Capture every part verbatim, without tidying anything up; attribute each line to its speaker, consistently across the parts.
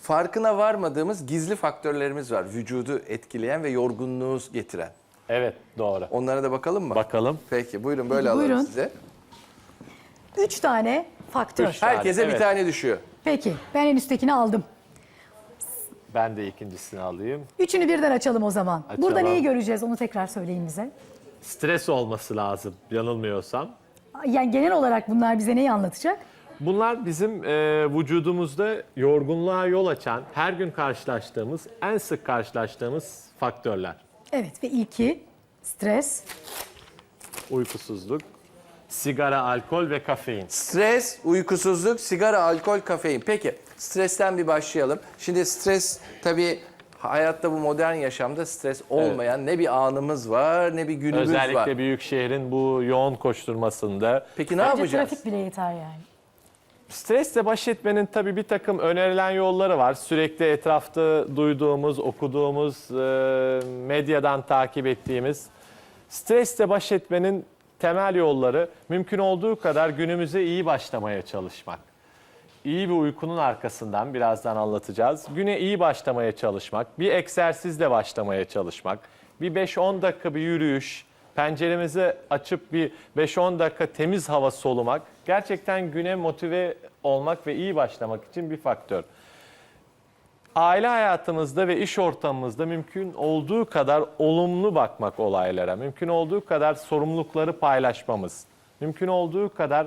Speaker 1: farkına varmadığımız gizli faktörlerimiz var. Vücudu etkileyen ve yorgunluğu getiren.
Speaker 2: Evet, doğru.
Speaker 1: Onlara da bakalım mı?
Speaker 2: Bakalım.
Speaker 1: Peki buyurun böyle
Speaker 3: Peki,
Speaker 1: alalım
Speaker 3: buyurun.
Speaker 1: size.
Speaker 3: Üç tane faktör.
Speaker 2: Üç tane.
Speaker 1: Herkese bir
Speaker 2: Evet.
Speaker 1: tane düşüyor.
Speaker 3: Peki ben en üsttekini aldım.
Speaker 2: Ben de ikincisini alayım.
Speaker 3: Üçünü birden açalım o zaman.
Speaker 2: Açalım.
Speaker 3: Burada neyi göreceğiz onu tekrar söyleyin bize.
Speaker 2: Stres olması lazım, yanılmıyorsam.
Speaker 3: Yani genel olarak bunlar bize neyi anlatacak?
Speaker 2: Bunlar bizim e, vücudumuzda yorgunluğa yol açan, her gün karşılaştığımız, en sık karşılaştığımız faktörler.
Speaker 3: Evet ve ilki stres.
Speaker 2: Uykusuzluk, sigara, alkol ve kafein.
Speaker 1: Stres, uykusuzluk, sigara, alkol, kafein. Peki stresten bir başlayalım. Şimdi stres tabii hayatta, bu modern yaşamda stres olmayan ne bir anımız var ne bir günümüz
Speaker 2: Özellikle
Speaker 1: var.
Speaker 2: büyük şehrin bu yoğun koşturmasında.
Speaker 1: Peki ne
Speaker 3: Bence
Speaker 1: yapacağız?
Speaker 3: trafik bile yeter yani.
Speaker 2: Stresle baş etmenin tabii bir takım önerilen yolları var. Sürekli etrafta duyduğumuz, okuduğumuz, e, medyadan takip ettiğimiz. Stresle baş etmenin temel yolları mümkün olduğu kadar günümüze iyi başlamaya çalışmak. İyi bir uykunun arkasından birazdan anlatacağız. Güne iyi başlamaya çalışmak, bir egzersizle başlamaya çalışmak, bir beş on dakika bir yürüyüş, penceremizi açıp bir beş on dakika temiz hava solumak gerçekten güne motive olmak ve iyi başlamak için bir faktör. Aile hayatımızda ve iş ortamımızda mümkün olduğu kadar olumlu bakmak olaylara, mümkün olduğu kadar sorumlulukları paylaşmamız, mümkün olduğu kadar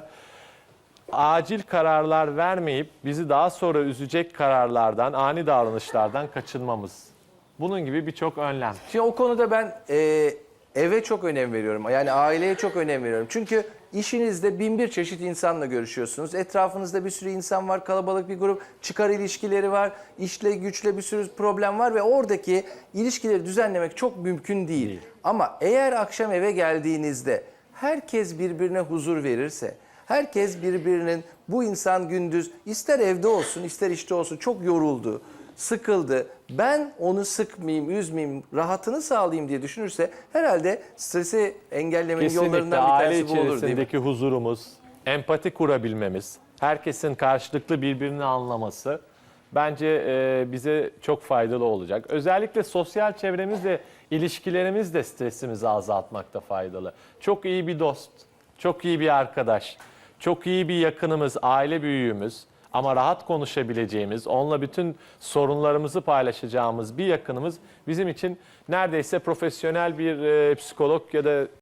Speaker 2: acil kararlar vermeyip bizi daha sonra üzecek kararlardan, ani davranışlardan kaçınmamız. Bunun gibi birçok önlem.
Speaker 1: Şimdi o konuda ben e, eve çok önem veriyorum. Yani aileye çok önem veriyorum. Çünkü işinizde bin bir çeşit insanla görüşüyorsunuz. Etrafınızda bir sürü insan var, kalabalık bir grup, çıkar ilişkileri var, işle güçle bir sürü problem var ve oradaki ilişkileri düzenlemek çok mümkün değil.
Speaker 2: Değil.
Speaker 1: Ama eğer akşam eve geldiğinizde herkes birbirine huzur verirse, herkes birbirinin, bu insan gündüz ister evde olsun ister işte olsun çok yoruldu, sıkıldı, ben onu sıkmayayım, üzmeyeyim, rahatını sağlayayım diye düşünürse herhalde stresi engellemenin
Speaker 2: Kesinlikle
Speaker 1: yollarından bir
Speaker 2: aile
Speaker 1: tanesi bu olur değil mi?
Speaker 2: içerisindeki huzurumuz, empati kurabilmemiz, herkesin karşılıklı birbirini anlaması bence e, bize çok faydalı olacak. Özellikle sosyal çevremizle ilişkilerimiz de stresimizi azaltmakta faydalı. Çok iyi bir dost, çok iyi bir arkadaş, çok iyi bir yakınımız, aile büyüğümüz ama rahat konuşabileceğimiz, onunla bütün sorunlarımızı paylaşacağımız bir yakınımız bizim için neredeyse profesyonel bir e, psikolog ya da